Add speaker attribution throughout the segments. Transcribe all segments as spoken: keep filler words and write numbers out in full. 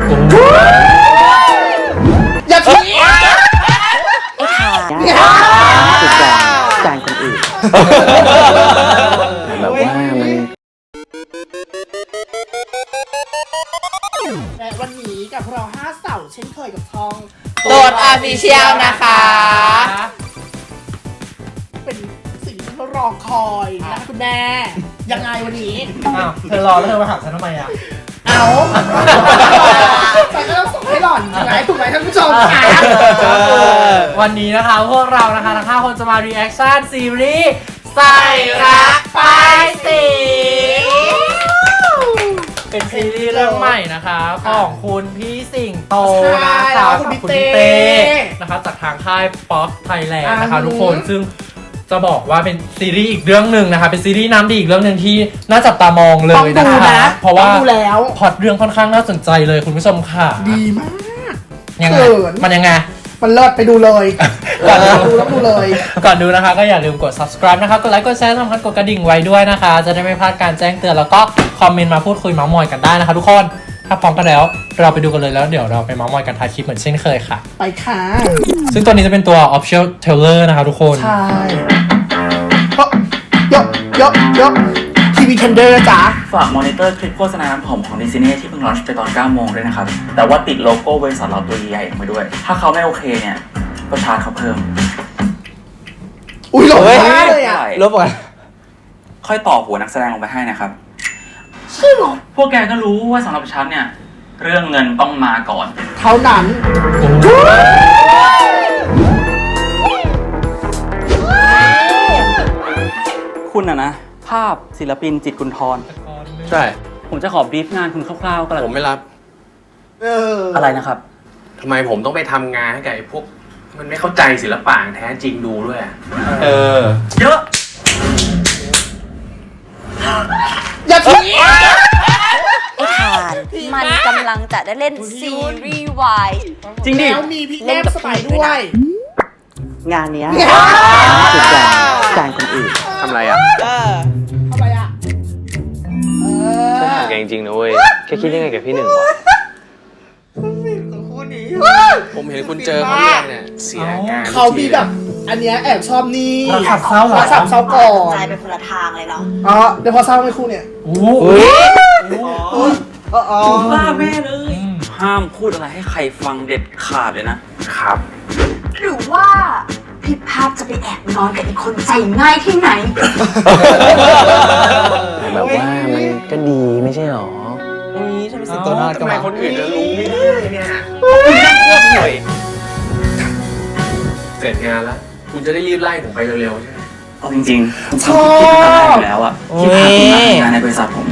Speaker 1: อย่าทิ้ง
Speaker 2: สุดจานจานคนอื่นแบบว่ามัน
Speaker 1: และวันนี้กับเราห้าเสาเช่นเคยกับทอง
Speaker 3: โดดออฟฟิเชียลนะคะ
Speaker 1: เป็นสิ่งที่เรารอคอยนะคุณแม่ยังไงวันนี้
Speaker 4: อ้าวเธอรอแล้วเธอมาหาฉันทำไมอ่ะ
Speaker 1: เอาฉันก็ต้องส่งให้หล่อนถูกไหมถูกไหมท่านผู้ชมค่ะ
Speaker 4: วันนี้นะคะพวกเรานะคะทั้งห้าคนจะมารีแอคชั่นซีรีส์ใส่รักป้ายสีเป็นซีรีส์เรื่องใหม่นะคะของคุณพี่สิงโตนะคะกับคุณพี่เต้นะคะจากทางค่ายป๊อปไทยแลนด์นะคะทุกคนซึ่งจะบอกว่าเป็นซีรีส์อีกเรื่องหนึ่งนะคะเป็นซีรีส์น้ำดีอีกเรื่องหนึ่งที่น่าจับตามองเลยนะคะเพราะว่าพล็อตเรื่องค่อนข้างน่าสนใจเลยคุณผู้ชมค่ะ
Speaker 1: ดีมาก
Speaker 4: ยังไงมันยังไง
Speaker 1: มันเลิศไปดูเลยก่อนดูแล้วดูเลย
Speaker 4: ก่อนดูนะคะก็อย่าลืมกด subscribe นะคะกดไลค์กดแชร์สำคัญกดกระดิ่งไว้ด้วยนะคะจะได้ไม่พลาดการแจ้งเตือนแล้วก็คอมเมนต์มาพูดคุยเมาท์มอยกันได้นะคะทุกคนถ้าพร้อมกันแล้วเราไปดูกันเลยแล้วเดี๋ยวเราไปเมาท์มอยกันท้ายคลิปเหมือนเช่นเคยค่ะ
Speaker 1: ไปค่ะ
Speaker 4: ซึ่งตัวนี้จะเป็นตัว official trailer นะคะทุกคน
Speaker 1: ใช่ยกยกยกทีวีเทนเดอร์จ้า
Speaker 2: ฝากมอนิเตอร์คลิปโฆษณาผมของดิสนีย์ที่เพิ่งลอนช์ไปตอนเก้าโมงด้วยนะครับแต่ว่าติดโลโก้บริษัทเราตัวใหญ่ๆลงไปด้วยถ้าเขาไม่โอเคเนี่ยก็ชาร์จเขาเพิ่ม
Speaker 1: อุ้ยหลบมากเลยอ่ะ
Speaker 2: ลบก่อนค่อยต่อหัวนักแสดงลงไปให้นะครับใช่หรอพวกแกก็รู้ว่าสำหรับฉันเนี่ยเรื่องเงินต้องมาก่อน
Speaker 1: เท่านั้น
Speaker 2: คุณอะนะภาพศิลปินจิตรกุลธร
Speaker 5: ใช่
Speaker 2: ผมจะขอบรีฟงานคุณคร่าวๆก็แล้ว
Speaker 5: ผมไม่รับ
Speaker 1: เออ
Speaker 2: อะไรนะครับ
Speaker 5: ทำไมผมต้องไปทำงานให้กับไอ้พวกมันไม่เข้าใจศิลปะแท้จริงดูด้วยเออ
Speaker 2: เยอะ
Speaker 1: อย่าทิ้ง
Speaker 3: ทานมันกำลังจะได้เล่นซีรีส์วาย
Speaker 1: จริงดิแล้วมีพี่แก้มสไปด้วย
Speaker 2: งานเนี้ยสุดจานจานคนอื่น
Speaker 5: ทำไรอ่ะ
Speaker 1: ทำไรอ่ะ
Speaker 5: ฉันถามแกจริงๆนะเว้ยแค่คิดยังไงกับพี่หนึ่งวะผมเห็นคุณเจอเขาเนี่ยเนี่ยเสียงาน
Speaker 1: เขามีแบบอันเนี้ยแอบชอบนี่
Speaker 4: รักสับเศร้า
Speaker 1: รักสับเศร้าก่อน
Speaker 3: ใจเป็นคนละทางเลยเนาะ
Speaker 1: อ๋อเดี๋ยวพอเศร้าไม่คู่เนี่ย
Speaker 4: โอ้
Speaker 1: โห
Speaker 2: จุ๊บบ้าแม่เลยห้ามพูดอะไรให้ใครฟังเด็ดขาดเลยนะครับ
Speaker 3: หรือว่าพี่ภาพจะไปแอบนอนกับอีกคนใจง่ายที่ไหน
Speaker 2: แบบว่ามันก็ดีไม่ใช่หรอ
Speaker 4: นี่ฉันเป็นสิงโตนอนกับ
Speaker 5: คนอื่นจะรู้ไม่ได้เนี่ยเสร็จงานแล้วคุณจะได้รีบไล่ผมไปเร็วๆใช่ไหม
Speaker 2: เอาจริงๆผมทำผิดตั้งแต่อยู่แล้วอะที่พาคุณมาทำงานในบริษัทผม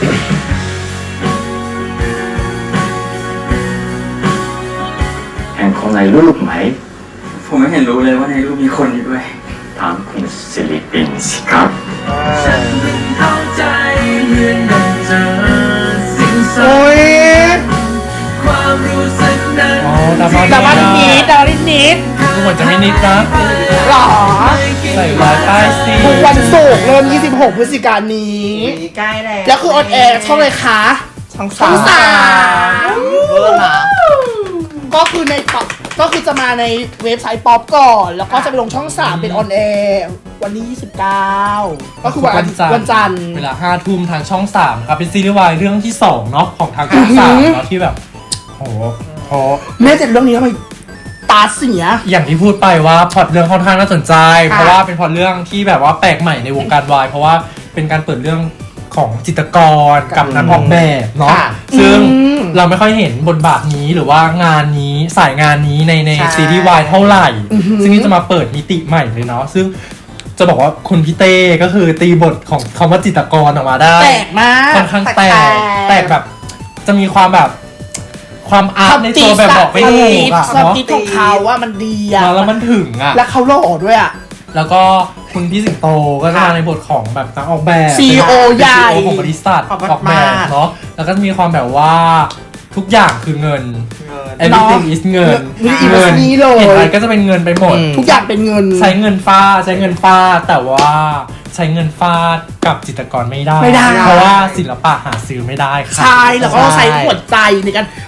Speaker 2: เห็นคนในรูปไหมผมไม่เห็นรู้เลยว่าในรูปมีคนอยู่ด้วยถามคุณศิริปินสิครับฉันเข้าใจเหมือนดังเจอสิ่งสวยความรู้สึกนั้น
Speaker 1: แต่ว่านิดแต่ว่านิดนิด
Speaker 4: ดูเหมือนจะไม่นิดนะ
Speaker 1: หรอ
Speaker 4: ใส่ร้ายป้ายสี
Speaker 1: ทุกวันศุกร์เริ่มยี่สิบหกพฤศจิกายนนี้
Speaker 3: ใกล้แล้ว
Speaker 1: แล้วคือออนแอร์ช่องเลยคะ
Speaker 3: ช่อง
Speaker 1: สามก็คือในป๊อปก็คือจะมาในเว็บไซต์ป๊อปก่อนแล้วก็จะไปลงช่องสามเป็นออนแอร์วันที่ยี่สิบเก้าก็คือวันวันจันทร์
Speaker 4: เวลาห้าทุ่มทางช่องสามครับเป็นซีรีส์วายเรื่องที่สองเนาะของทางช่องสามเนาะที่แบบโหโห
Speaker 1: แม่เจ็ดเรื่องนี้ทำไมตาเสีย
Speaker 4: อย่างที่พูดไปว่าพล็อตเรื่องค่อนข้างน่าสนใจเพราะว่าเป็นพล็อตเรื่องที่แบบว่าแปลกใหม่ในวงการวายเพราะว่าเป็นการเปิดเรื่องของจิตรกรกับนักออกแบบเนาะซึ่งเราไม่ค่อยเห็นบทบาทนี้หรือว่างานนี้สายงานนี้ในในซีรีส์วายเท่าไหร่ซึ่งนี่จะมาเปิดมิติใหม่เลยเนาะซึ่งจะบอกว่าคุณพี่เต้ก็คือตีบทของคำว่าจิตรกรออกมาได้
Speaker 1: แปลกมาก
Speaker 4: ค่อนข้างแปลกแปลกแบบจะมีความแบบความอาร์ตในตัวแบบบอกไม่ถูกอะ
Speaker 1: เนาะของเขาว่ามันดีอะ
Speaker 4: แล้วมันถึงอะ
Speaker 1: แล้วเขาหล่อด้วยอะ
Speaker 4: แล้วก็คุณพี่สิงโตก็จะมาในบทของแบบนักออกแบบ
Speaker 1: ซี อี โอ ใหญ่
Speaker 4: ของบริษัทออกแบบเนาะแล้วก็จะมีความแบบว่าทุกอย่างคือเงิน everything is เงิน
Speaker 1: เงิน
Speaker 4: เห็นอะไรก็จะเป็นเงินไปหมด
Speaker 1: ทุกอย่างเป็นเงิน
Speaker 4: ใช้เงินฟาดใช้เงินฟาดแต่ว่าใช้เงินฟาดกับจิตรกรไม่ได้เพราะว่าศิลปะหาซื้อไม่ได้ค่ะ
Speaker 1: ใช่แล้วก็ใช้หัวใจในการ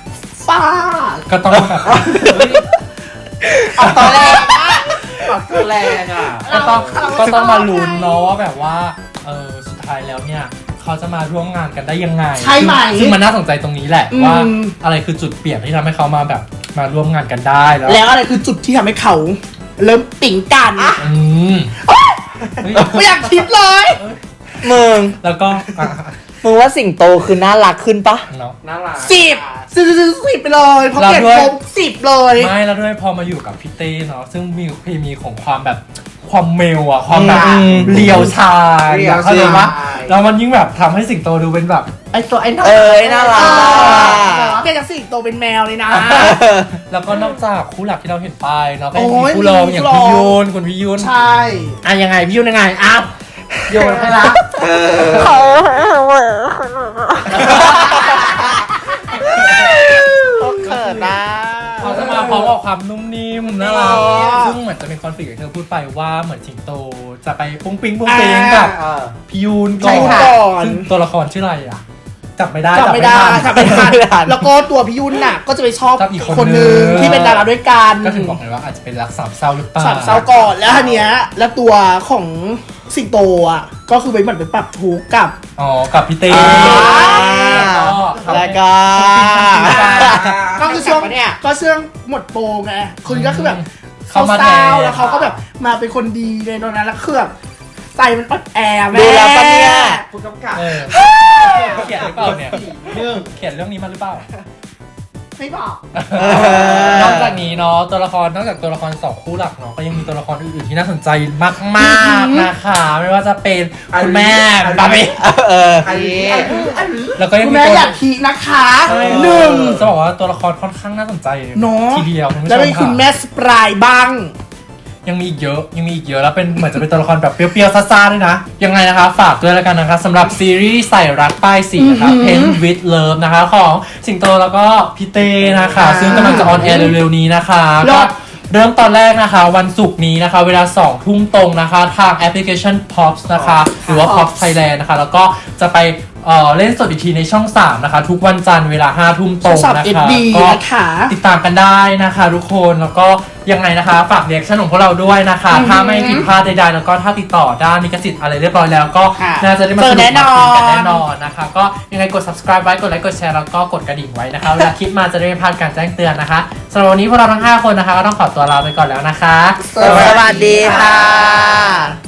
Speaker 1: ฟาด
Speaker 4: ก็ต้องแบบ
Speaker 1: ออกตัวแรงมาก
Speaker 6: ปากตัวแรงอ่ะ
Speaker 4: ก็ต้องก็ต้องมาลุ้นเนาะว่าแบบว่าเออสุดท้ายแล้วเนี่ยเขาจะมาร่วมงานกันได้ยังไง
Speaker 1: ใช่ไหม
Speaker 4: ซึ่งซึ่งมันน่าสนใจตรงนี้แหละ
Speaker 1: อืม
Speaker 4: ว่าอะไรคือจุดเปลี่ยนที่ทำให้เขามาแบบมาร่วมงานกันได้แล้ว
Speaker 1: แล้วอะไรคือจุดที่ทำให้เขา เริ่มติ๋งกัน
Speaker 4: อืมเฮ้ย
Speaker 1: ไม่อยากคิดเลย
Speaker 6: มึง
Speaker 4: แล้วก็อ่ะ
Speaker 6: มึงว่าสิงโตคือน่ารักขึ้นปะ
Speaker 4: เนาะ
Speaker 6: น่ารัก
Speaker 1: สิบสิบสิบสิบไปเลยเพราะ
Speaker 4: เรา
Speaker 1: เปลี่ยน
Speaker 4: ด้วย
Speaker 1: โคมสิบเลย
Speaker 4: ไม่แล้วด้วยพอมาอยู่กับพี่เต้เนาะซึ่งมีเคมีของความแบบความเมลอะความแบบ
Speaker 6: อืม
Speaker 4: เลียวชาย
Speaker 6: เรียว
Speaker 4: เข้าใจปะ
Speaker 6: ชาย
Speaker 4: แล้วมันยิ่งแบบทำให้สิงโตดูเป็นแบบไอตัวไอ้น่า
Speaker 6: เอ้ยน่ารัก
Speaker 1: เปลี่ยนจากสิงโตเป็นแมวเลยนะ
Speaker 4: แล้วก็นอกจากคู่หลักที่เราเห็นไปเนาะก็ยัง
Speaker 1: โอ้
Speaker 4: มี
Speaker 1: ย
Speaker 4: คู่รองอย่าง
Speaker 1: มีคู่
Speaker 4: พี่
Speaker 1: รอง
Speaker 4: ยุนคุณพี่ยุน
Speaker 1: ใช่
Speaker 4: อ่ะยังไงพี่ยุนยังไงอ้าวโยนให้ละ
Speaker 6: เออเขินนะ
Speaker 4: เขาจะมาพร้อมกับความนุ่มนิ่มน่ารัก
Speaker 1: อ๋อ
Speaker 4: ซึ่งเหมือนจะเป็นคอนฟ lict ที่เธอพูดไปว่าเหมือนสิงโตจะไปปุ้งปิ้งปุ้งปิ้งกับ
Speaker 6: เออ
Speaker 4: พี่ยุนก่
Speaker 1: ใช่
Speaker 4: อน
Speaker 1: ค่ะ
Speaker 4: ซึ่งตัวละครชื่ออะไรอ่ะจับไม่ได้
Speaker 1: จำไม่ได้
Speaker 4: ทัน
Speaker 1: จำไม่ทัน
Speaker 6: ไม่ทัน
Speaker 1: แล้วก็ตัวพี่ยุ่นน่ะ ก็จะไปชอบ
Speaker 4: ชอบอีกคน
Speaker 1: คนนึง
Speaker 4: นึง
Speaker 1: ที่เป็นดาราด้วยกัน
Speaker 4: ก็ถึงบอกไงว่าอาจจะเป็นรักสามเศร้าหรือเปล่า
Speaker 1: สามเศร้าก่อนแล้วทีเนี้ยแล้วตัวของสิงโตอ่ะก็คือไปเหมือนไปปรับทุกข์กับ
Speaker 4: อ๋อกับพี่เต้
Speaker 6: อ่า
Speaker 4: แล้
Speaker 6: แล้ว ว
Speaker 4: ก็
Speaker 6: ก็
Speaker 1: ก็คือช่วง
Speaker 6: เนี่ย
Speaker 1: ก็ช่วงหมดโปรไงคนก็คือแบบ
Speaker 4: เข้ามา
Speaker 1: เศร้า
Speaker 4: แทน
Speaker 1: แล้วเขาก็แบบมาเป็นคนดีในตอนนั้นแล้วคือแบบใจมันอ่อนแอแม่
Speaker 6: ดูแล้วปะเนี่ย
Speaker 1: ผู้กำกับ
Speaker 4: เออเขียนหรือเปล่าเนี่ยเขียนเรื่องนี้มาหรือเปล่า
Speaker 1: ไม่บอก
Speaker 4: นอกจากนี้เนาะตัวละครนอกจากตัวละครสองคู่หลักเนาะก็ยังมีตัวละครอื่นๆที่น่าสนใจมากๆนะคะไม่ว่าจะเป็นคุณแม่บาร์บี้
Speaker 6: เออ
Speaker 4: แล้วก็ยัง
Speaker 1: คุณ
Speaker 4: มี
Speaker 1: แม่
Speaker 4: ตัว
Speaker 1: อยากทีนะคะ
Speaker 4: ใช่
Speaker 1: หนึ่ง
Speaker 4: จะบอกว่าตัวละครค่อนข้างน่าสนใจ
Speaker 1: เนาะ
Speaker 4: ทีเดียวคุณผู้ช
Speaker 1: แล้ว
Speaker 4: ม
Speaker 1: เป็นคุณ
Speaker 4: ค่ะ
Speaker 1: แม่สปรายบ้าง
Speaker 4: ยังมีอีกเยอะยังมีอีกเยอะแล้วเป็นเหมือนจะเป็นตัวละครแบบเปรี้ยวๆซ่าๆด้วยนะยังไงนะคะฝากด้วยแล้วกันนะคะสำหรับซีรีส์ใส่รักป้ายสีนะคะ Pen with Love นะคะของสิงโตแล้วก็พี่เต้นะคะ ซึ่งกำลังจะออนแอร์เร็วๆนี้นะคะ
Speaker 1: เลิ
Speaker 4: ก็
Speaker 1: ศ
Speaker 4: เริ่มตอนแรกนะคะ วันศุกร์นี้นะคะ เวลาสองทุ่มตรงนะคะ ทางแอปพลิเคชัน Pops นะคะ หรือว่า Pops Thailand นะคะ แล้วก็จะไปเอ่อเล่นสดอีกทีในช่องสามนะคะ ทุกวันจันทร์เวลาห้าทุ่มตรง
Speaker 1: สับ
Speaker 4: นะ
Speaker 1: เอ็ด
Speaker 4: คะ
Speaker 1: ดี
Speaker 4: ก็
Speaker 1: นะคะ
Speaker 4: ติดตามกันได้นะคะทุกคนแล้วก็ยังไงนะคะ ฝากเรียกชั่นของพวกเราด้วยนะคะ
Speaker 1: อือหือ
Speaker 4: ถ้าไม่ผิดพลาดใดๆแล้วก็ถ้าติดต่อด้านลิขสิทธิ์อะไรเรียบร้อยแล้วก็
Speaker 1: ค่ะ
Speaker 4: น่าจะได้มา
Speaker 1: เจ
Speaker 4: ส
Speaker 1: อ
Speaker 4: นุก
Speaker 1: แน่น
Speaker 4: มา
Speaker 1: อน
Speaker 4: คุยกันแน่นอนนะคะ ก็ยังไงกด subscribe ไว้กดไลค์กดแชร์แล้วก็กดกระดิ่งไว้นะคะเวลาคลิปมาจะได้ไม่พลาดการแจ้งเตือนนะคะสำหรับวันนี้พวกเราทั้งห้าคนนะคะก็ต้องขอตัวลาไปก่อนแล้วนะคะ
Speaker 6: สวัสดีค่ะ